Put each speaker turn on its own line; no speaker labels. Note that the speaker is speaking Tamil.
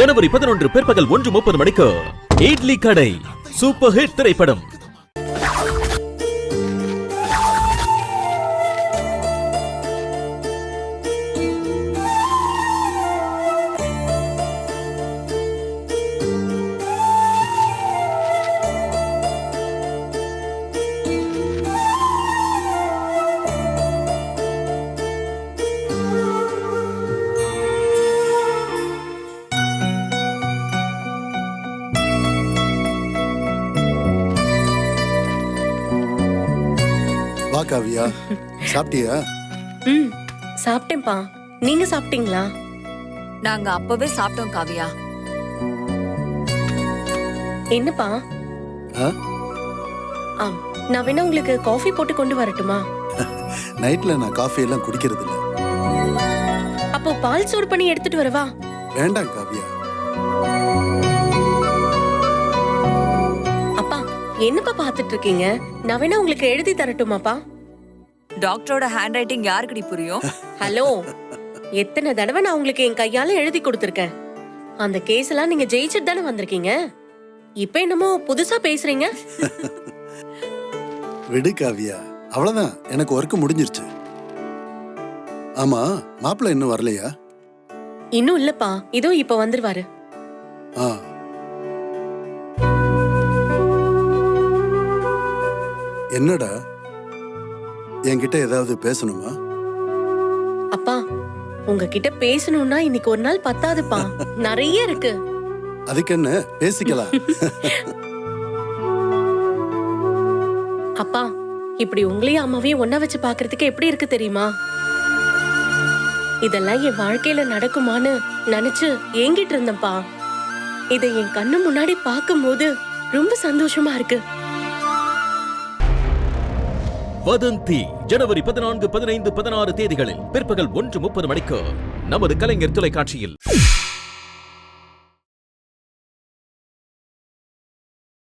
ஜனவரி 11 பிற்பகல் 1:30 மணிக்கு இட்லி கடை சூப்பர் ஹிட் திரைப்படம்.
காவியா, சாப்பிட்டியா?
சாப்பிட்டேன்ப்பா. நீங்க சாப்பிட்டீங்களா?
நாங்க அப்பவே சாப்பிட்டோம் காவியா.
என்னப்பா? நான் வேணா உங்களுக்கு காஃபி போட்டு கொண்டு வரட்டுமா?
நைட்ல நான் காஃபி எல்லாம் குடிக்கிறது இல்ல.
அப்போ பால் சூடு பண்ணி எடுத்துட்டு வரவா?
வேண்டாம் காவியா.
அப்பா, என்னப்பா பாத்துட்டு இருக்கீங்க? நான் வேணா உங்களுக்கு எழுதி தரட்டுமாப்பா?
டாக்டரோட ஹேண்ட் ரைட்டிங் யாருக்குடி புரியும்?
ஹலோ, எத்தனை தடவை நான் உங்களுக்கு என் கையால எழுதி கொடுத்திருக்கேன். அந்த கேஸ் எல்லாம் நீங்க ஜெயிச்சுட்டு தானே வந்திருக்கீங்க. இப்ப என்னமோ புதுசா பேசுறீங்க.
விடு காவியா, அவ்வளவுதான், எனக்கு ஒர்க் முடிஞ்சிருச்சு. ஆமா, மாப்பிள்ள இன்னும் வரலையா?
இன்னும் இல்லப்பா, இதோ இப்ப வந்துருவாரு.
என்னடா, என்கிட்ட ஏதாவது பேசணுமா?
அப்பா, உங்ககிட்ட பேசணும்னா இன்னைக்கு ஒரு நாள் பத்தாதுப்பா, நிறைய இருக்கு.
அதுக்கு என்ன, பேசிக்கலாம்.
அப்பா, இப்படி உங்களையும் அம்மாவையும் ஒன்னா வச்சு பாக்குறதுக்கு எப்படி இருக்கு தெரியுமா? இதெல்லாம் என் வாழ்க்கையில நடக்குமான்னு நினைச்சு ஏங்கிட்டு இருந்தேன்ப்பா. இதை என் கண்ணு முன்னாடி பார்க்கும்போது ரொம்ப சந்தோஷமா இருக்கு.
வதந்தி ஜனவரி 14, 15, 16 தேதிகளில் பிற்பகல் 1:30 மணிக்கு நமது கலைஞர் தொலைக்காட்சியில்.